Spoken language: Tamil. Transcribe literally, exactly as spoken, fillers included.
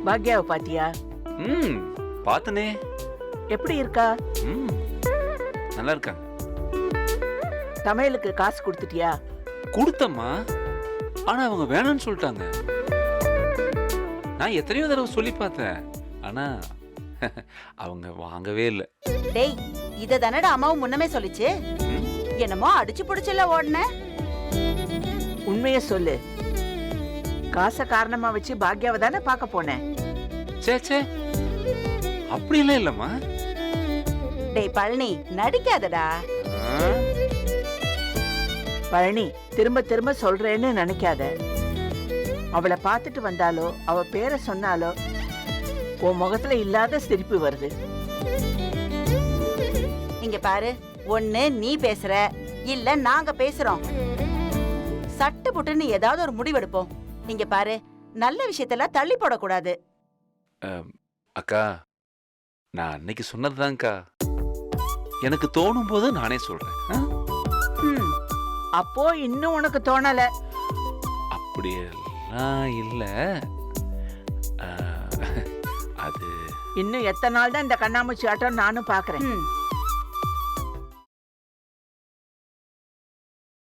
பாக்யாவை பாத்தியா? ம் பார்த்தனே. எப்படி இருக்கா? ம் நல்லா இருக்காங்க. சமையலுக்கு காசு கொடுத்துட்டியா? கொடுத்தம்மா, ஆனா அவங்க வேணாம்னு சொல்லிட்டாங்க. நான் எத்தனையோ தடவை சொல்லி பார்த்தேன், ஆனா அவங்க வாங்கவே இல்லை. டேய், இத தானடா அம்மாவும் முன்னமே சொல்லிச்சு. என்னமோ அடிச்சு புடிச்சல ஓடுன. உண்மைய சொல்லு. காசை காரணமா வச்சு பாக்யாவை தானே பார்க்க போனேன். சே சே, அப்படியெல்லாம் இல்லம்மா. டேய் பழனி, நடிக்காதடா. ஆ? பழனி, திரும்ப திரும்ப சொல்றேன்னு நினைக்காத. அவளை பார்த்துட்டு வந்தாலோ அவ பேரை சொன்னாலோ உன் முகத்துல இல்லாத சிரிப்பு வருது. இங்க பாரு, ஒண்ணு நீ பேசுற, இல்ல நாங்க பேசுறோம். சட்டு புட்டுன்னு ஏதாவது ஒரு முடிவெடுப்போம். இங்க பாரு, நல்ல விஷயத்தெல்லாம் தள்ளி போடக்கூடாது. அக்கா, நான் அன்னைக்கு சொன்னதுதான்க்கா. எனக்கு தோணும் போது நானே சொல்றேன். ஆ? ம், அப்போ இன்னும் உனக்கு தோணல? அப்படியெல்லாம் இல்ல. ஆ, அது இன்னும் எத்தனை நாள் தான் இந்த கண்ணாமூச்சி ஆட்டம் நானும் பாக்குறேன். ம்.